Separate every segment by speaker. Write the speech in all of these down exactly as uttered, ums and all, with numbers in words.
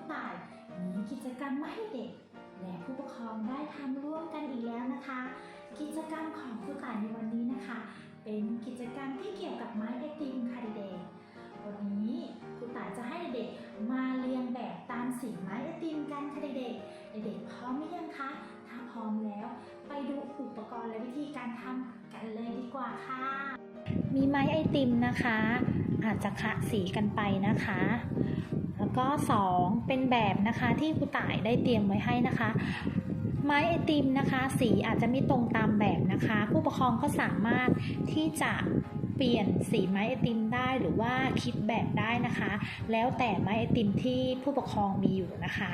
Speaker 1: ต่ายมีกิจกรรมมาให้เด็กและผู้ปกครองได้ทำร่วมกันอีกแล้วนะคะ กิจกรรมของครูต่ายในวันนี้นะคะ เป็นกิจกรรมที่เกี่ยวกับไม้ไอติมค่ะเด็กๆวันนี้ครูต่ายจะให้เด็กๆมาเรียงแบบตามสีไม้ไอติมกันค่ะเด็กๆเด็กๆพร้อมหรือยังคะถ้าพร้อมแล้วไปดูอุปกรณ์และวิธีการทำกันเลยดีกว่าค่ะมีไม้ไอติมนะคะอาจจะคะสีกันไปนะคะแล้วก็สองเป็นแบบนะคะที่ครูต่ายได้เตรียมไว้ให้นะคะไม้ไอติมนะคะสีอาจจะไม่ตรงตามแบบนะคะผู้ปกครองก็สามารถที่จะเปลี่ยนสีไม้ไอติมได้หรือว่าคิดแบบได้นะคะแล้วแต่ไม้ไอติมที่ผู้ปกครองมีอยู่นะคะ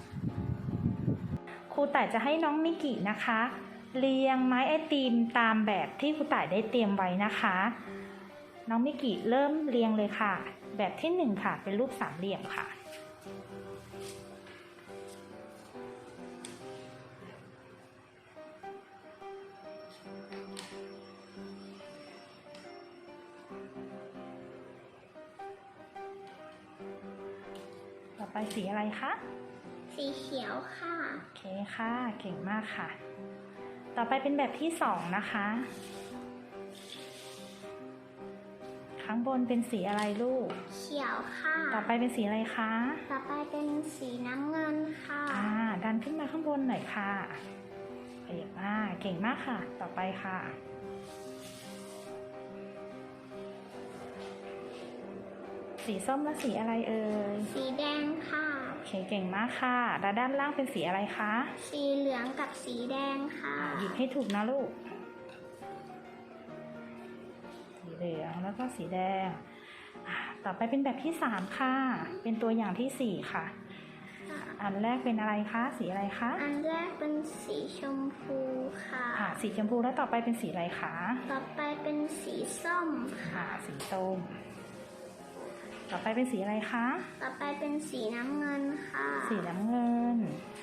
Speaker 1: ครูต่ายจะให้น้องมิกินะคะเรียงไม้ไอติมตามแบบที่ครูต่ายได้เตรียมไว้นะคะน้องมิกิเริ่มเรียงเลยค่ะแบบที่หนึ่งค่ะเป็นรูปสามเหลี่ยมค่ะต่อไปสีอะไรคะ
Speaker 2: สีเขียวค่ะ
Speaker 1: โอเคค่ะเก่งมากค่ะต่อไปเป็นแบบที่สองนะคะข้างบนเป็นสีอะไรลูก
Speaker 2: เขียวค่ะ
Speaker 1: ต่อไปเป็นสีอะไรคะ
Speaker 2: ต่อไปเป็นสีน้ำเงินค่ะ
Speaker 1: อ่าดันขึ้นมาข้างบนหน่อยค่ะเก่งมากเก่งมากค่ะต่อไปค่ะสีส้มและสีอะไรเอ่ย
Speaker 2: สีแดงค่ะ
Speaker 1: โอเคเก่งมากค่ะแล้วด้านล่างเป็นสีอะไรคะ
Speaker 2: สีเหลืองกับสีแดงค่ะ
Speaker 1: หยิบให้ถูกนะลูกสีเหลืองแล้วก็สีแดงต่อไปเป็นแบบที่สามค่ะเป็นตัวอย่างที่สี่ค่ะอันแรกเป็นอะไรคะสีอะไรคะ
Speaker 2: อันแรกเป็นสีชมพูค่ะ
Speaker 1: ค่ะสีชมพูแล้วต่อไปเป็นสีอะไรคะ
Speaker 2: ต่อไปเป็นสีส้ม
Speaker 1: ค่ะสีส้มต่อไปเป็นสีอะไรคะ
Speaker 2: ต่อไปเป็นสีน้ำเงินค่ะ
Speaker 1: สีน้ำเงิน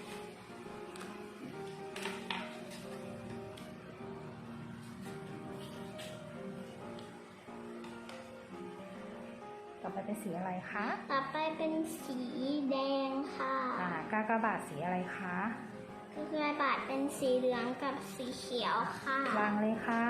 Speaker 1: ต่อไปเป็นสีอะไรคะ
Speaker 2: ต่อไปเป็นสีแดงค่ะ
Speaker 1: อ่ากากบาทสีอะไรคะ
Speaker 2: กากบาทเป็นสีเหลืองกับสีเขียวค่ะ
Speaker 1: วางเลยค่ะ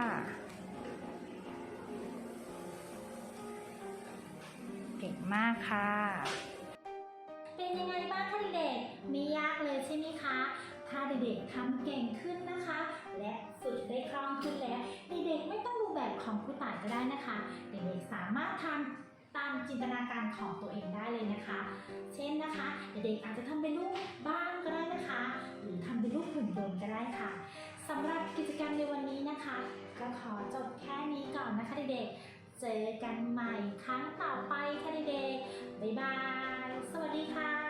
Speaker 1: เก่งมากค่ะเป็นยังไงบ้างคะเด็กๆไม่ยากเลยใช่ไหมคะถ้าเด็กๆทำเก่งขึ้นนะคะและฝึกได้คล่องขึ้นแล้วเด็กๆไม่ต้องดูแบบของครูต่ายก็ได้นะคะเด็กๆสามารถทำตามจินตนาการของตัวเองได้เลยนะคะเช่นนะคะเด็กๆอาจจะทำเป็นรูปบ้านก็ได้นะคะหรือทำเป็นรูปหุ่นยนต์ก็ได้ค่ะสำหรับกิจกรรมในวันนี้นะคะก็ขอจบแค่นี้ก่อนนะคะเด็กๆเจอกันใหม่ครั้งต่อไปค่ะเด็กๆบ๊ายบายสวัสดีค่ะ